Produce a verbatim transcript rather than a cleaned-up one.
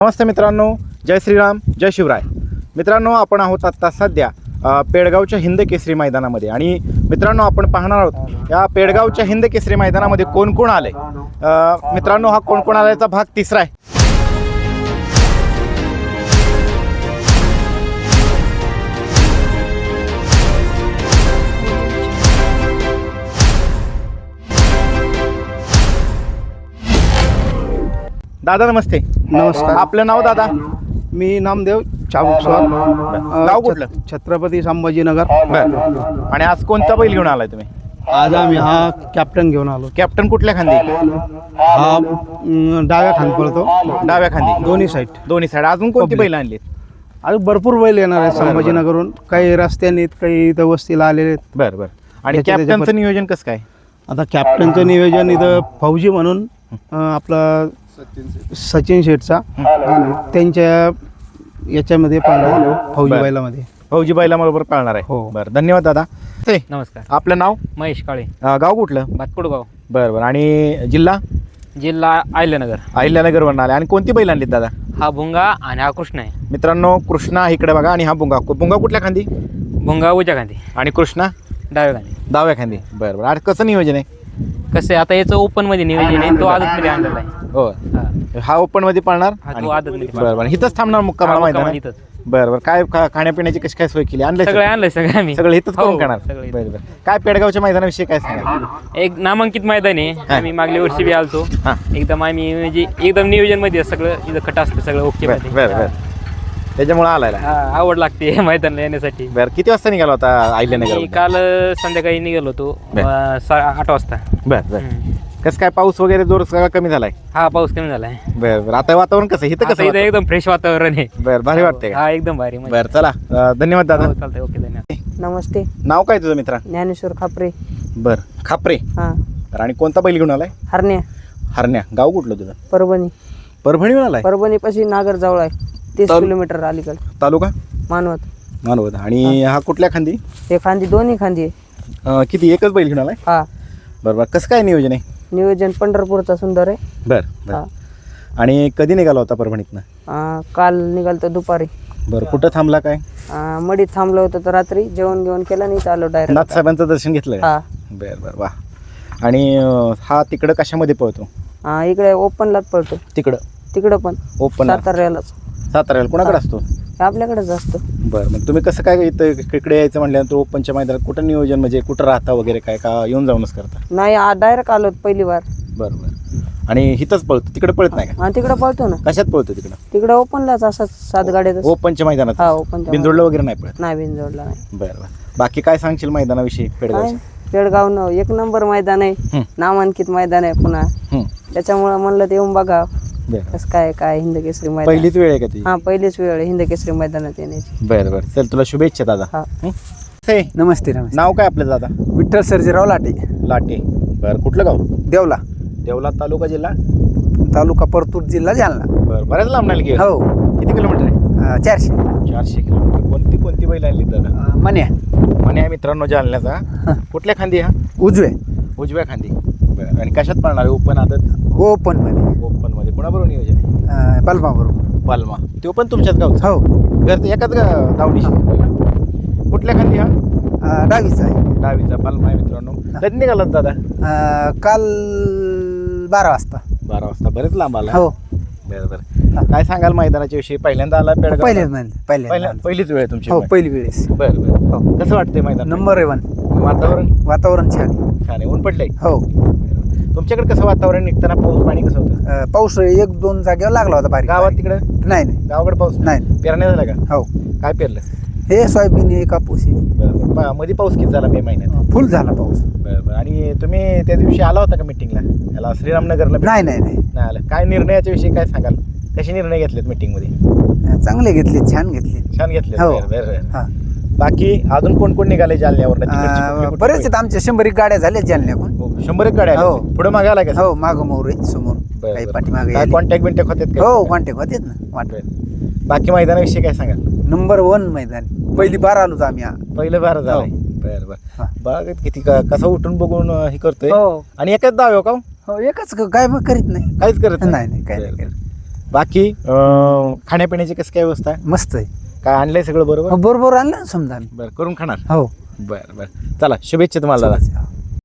नमस्ते मित्रांनो, जय श्रीराम, जय शिवराय. मित्रांनो, आपण आहोत आत्ता सध्या पेडगावच्या हिंद केसरी मैदानामध्ये आणि मित्रांनो आपण पाहणार आहोत या पेडगावच्या हिंद केसरी मैदानामध्ये कोण कोण आले. मित्रांनो, हा कोण कोण आल्याचा भाग तिसरा आहे. दादा नमस्ते. नमस्कार. आपलं नाव दादा? मी नामदेव चाबुकस्वार, गाव कुठलं? छत्रपती संभाजीनगर. बरं. आणि आज कोणता बैल घेऊन आलाय तुम्ही? आज आम्ही हा कॅप्टन घेऊन आलो. कॅप्टन कुठल्या खांदी? हा अं, डाव्या खांद पळतो, डाव्या खांदी. दोन्ही साईड. दोन्ही साईड. अजून कोणती बैल आणली? अजून भरपूर बैल येणार आहेत संभाजीनगरहून. काही रस्त्याने काही इथं वस्तीला आलेले आहेत. बरं बरं. आणि त्याच्या- कॅप्टनचं त्याच्या- नियोजन कसं काय? आता कॅप्टनचं नियोजन इथं फौजी म्हणून अं, आपला सचिन शेठचा त्यांच्या याच्यामध्ये पाळला फौजी बरं. बैलामध्ये. फौजी बैलाबरोबर पाळणार आहे. हो. बरं, धन्यवाद दादा. ते नमस्कार. आपलं नाव? महेश काळे, अं, गाव कुठलं? भातकुडगाव, बरं बरं. आणि जिल्हा? जिल्हा अहिल्यानगर. अहिल्यानगरवरून आले. आणि कोणती बैल आणलीत दादा? हा भुंगा आणि हा कृष्ण आहे. मित्रांनो, कृष्णा इकडे बघा आणि हा बुंगा. बुंगा कुठल्या खांदी? भुंगा उजव्या खांदी, आणि कृष्णा डाव्या खांदी. डाव्या खांदी. बरं बरं. आणि कसं नियोजन आहे? कसं आहे, आता याचं ओपन मध्ये नियोजन आहे, तो आदतमध्ये आणलेला आहे. हो, हा. हा ओपन मध्ये पाळणार. हा, तो आणि- आदतमध्ये बरं बरं. इथंच थांबणार मुक्कामाला हा, मैदान? मुक्कामाला इथंच. बरं बरं. काय खा- खाण्यापिण्याची कशी काय सोय केली? आणलं सगळं आणलंय सगळं आम्ही. सगळं इथंच हो, करून करणार? सगळं इथं. बरं बरं. काय पेडगावच्या मैदानाविषयी काय सांगा? एक नामांकित मैदान आहे. आम्ही मागल्या वर्षी बी आलतो. हां. एकदम आम्ही म्हणजे एकदम नियोजन मध्ये सगळं इथं खट असतं सगळं ओके बरं मध्ये. बरं बरं. त्याच्यामुळे आलायला. हा, आवड लागते मैदानाला येण्यासाठी. बरं. किती वाजता निघाला होता मी अहिल्यानगर? काल संध्याकाळी निघालो होतो बरं. अं, सा- आठ वाजता. बरं बरं. हम्म. कसं काय पाऊस वगैरे जोर सगळा कमी झालाय? हा, पाऊस कमी झालाय. बरं बरं. आता वातावरण कसं आहे? इथं आता कसं इथं वातावरण? एकदम फ्रेश वातावरण आहे. बरं, भारी वाटतंय का? हा, एकदम भारी. मजा. बरं, चला. अं, धन्यवाद दादा. हो, चालतंय. ओके, धन्यवाद. नमस्ते. नाव काय तुझं मित्रा? ज्ञानेश्वर खापरे. बरं, खापरे. हां. बरं. आणि कोणता बैल घेऊन आलाय? हरण्या, हरण्या. गाव कुठलं तुझं? परभणी. परभणीहून आलाय? परभणीपाशी नागर जवळ आहे, तीस तालु- किलोमीटर अलीकडे. तालुका मानवत. मानवत. आणि हा कुठल्या खांदी? हे खांदी, दोन्ही खांदी आहे. अं, किती एकच बैल घेऊन आलाय? हा. बरं बरं. कसं काय नियोजन आहे? नियोजन पंढरपूरचा सुंदर आहे. बरं बरं. आणि कधी निघाला होता परभणीतनं? हां, काल निघालतो दुपारी. बरं. कुठं थांबला काय? हां, मडीत थांबलो होतो तर रात्री जेवण घेऊन केलं नाही, चालू डायरेक्ट. नाथसाहेबांचं दर्शन घेतलं का? हा. बरं बरं. वा. आणि अं, हा तिकडं कशामध्ये पळतो? हां, इकडे ओपनलाच पळतो. तिकडं तिकडं पण ओपन साताऱ्यालाच. साताऱ्याला कोणाकडे असतो? हे आपल्याकडेच असतं. बरं. मग तुम्ही कसं काय इथं इकडे यायचं म्हटल्यानंतर ओपनच्या मैदानात कुठं नियोजन, म्हणजे कुठं राहता वगैरे काय, का येऊन जाऊनच करता? नाही, डायरेक्ट आलो पहिली बार. बरं बरं. आणि इथंच पळतो, तिकडे पळत नाही का? हां, तिकडं पळतो ना. कशात पळतो तिकडं? तिकडं ओपनलाच असं सात गाड्यात. ओपनच्या मैदानात? हा, ओपनच्या बिंदोडलं वगैरे नाही पळत? नाही, बिनजोडला नाही. बरं बरं. बाकी काय सांगशील मैदानाविषयी काय पेडगावच्या? पेडगाव न एक नंबर मैदान आहे. हं. नामांकित मैदान आहे पुन्हा. हं. त्याच्यामुळं म्हणलं ते येऊन बघा बरं. कसं काय काय हिंद केसरी मैदान. पहिलीच वेळ आहे का तुझी? हा, पहिलीच वेळ आहे हिंद केसरी मैदानात येण्याची. बरं बरं. चल, तुला शुभेच्छा दादा. हा. हं? हे, नमस्ते. नमस्ते. नाव काय आपलं दादा? विठ्ठल सर्जेराव लाटे, लाटे. बरं. कुठलं गाव? देवला देवला तालुका, जिल्हा? तालुका परतूर, जिल्हा जालना. बरं. बऱ्याच लांब नाही गेलं. हो. किती किलोमीटर आहे? अं, चारशे. चारशे किलोमीटर. कोणती कोणती बैल आणली दादा? अं, मन्या म्हणे आहे मित्रांनो जालन्याचा. कुठल्या खांदी हा? उजवे. उजव्या खांदी. बरं. आणि कशात पळणार आहे? ओपन आदत? ओपन मध्ये ओपन मध्ये. कोणाबरोबर नियोजन आहे? अं, बलमा बरोबर. पालमा. तो पण तुमच्याच गावचा? हो. घर एकाच गा- दावणीशी. कुठल्या खांदी हा? अं, डावीचा आहे. डावीचा पालमा आहे मित्रांनो. कधी निघालात दादा? अं, काल बारा वाजता. बारा वाजता. बरेच लांब आला. हो. बरं बरं. काय सांगाल मैदानाच्या विषयी? पहिल्यांदा आला पेडगाव? पहिलेच म्हणजे पहिल्या पहिल्या पहिलीच वेळ आहे तुमची? हो, पहिली वेळेस. बरं बरं. हो. कसं वाटतंय मैदान? Number one. वातावरण वातावरण छान. छान आहे. ऊन पडलंय? हो. तुमच्याकडे कसं वातावरण? निघताना पाऊस पाणी कसं होतं? अं, पाऊस एक दोन जागेवर लागला होता बारीक. गावात तिकडं? नाही नाही गावाकडे पाऊस नाही. पेरण्या झाला का? हो. काय पेरलं? हे सोयाबीन हे कापूस हे. बरं बरं. पा- मध्ये पाऊस किती झाला मे महिन्यात? फुल झाला पाऊस. बरं बरं. आणि तुम्ही त्या दिवशी आला होता का मिटिंगला? याला श्रीरामनगरला? नाही नाही नाही नाही आलं. काय निर्णयाच्या विषयी काय सांगाल? कसे निर्णय घेतलेत मिटिंगमध्ये? चांगले घेतले, छान घेतले. छान घेतले. हो. बरं बरं बरं. हा. बाकी अजून कोण कोण निघाले जालन्यावर? अं, बरेच आहेत आमच्या शंभर एक गाड्या झाल्या जालन्याकडून. शंभर एक गाड्या हो. पुढे मागे आला का? हो, मागं मोर आहे समोर. बरं, काही बरं. पाठीमागे काय आले. कॉन्टॅक्ट बिंटॅक्ट होतात का? हो, कॉन्टॅक्ट होतेत ना. वाट बरं. बाकी मैदानाविषयी काय सांगाल? नंबर वन मैदान. पहिली बार आलोच आम्ही. हा. पहिलं बार झालंय. हो. बरं बरं. हा. बघ किती का- कसं उठून बघून अं, हे करतोय. हो. आणि एकच दाव आहे का? हो, एकच क- काय मग करीत नाही. काहीच करत नाही नाही काय बरं, नाही बरं. करीत. बाकी अं, खाण्यापिण्याची कसं काय व्यवस्था आहे? मस्त आहे. काय आणलंय सगळं बरोबर? हो, बरोबर आणलं ना समजा आम्ही. बरं करून खाणार. हो बरं बरं चला शुभेच्छा तुम्हाला दादा.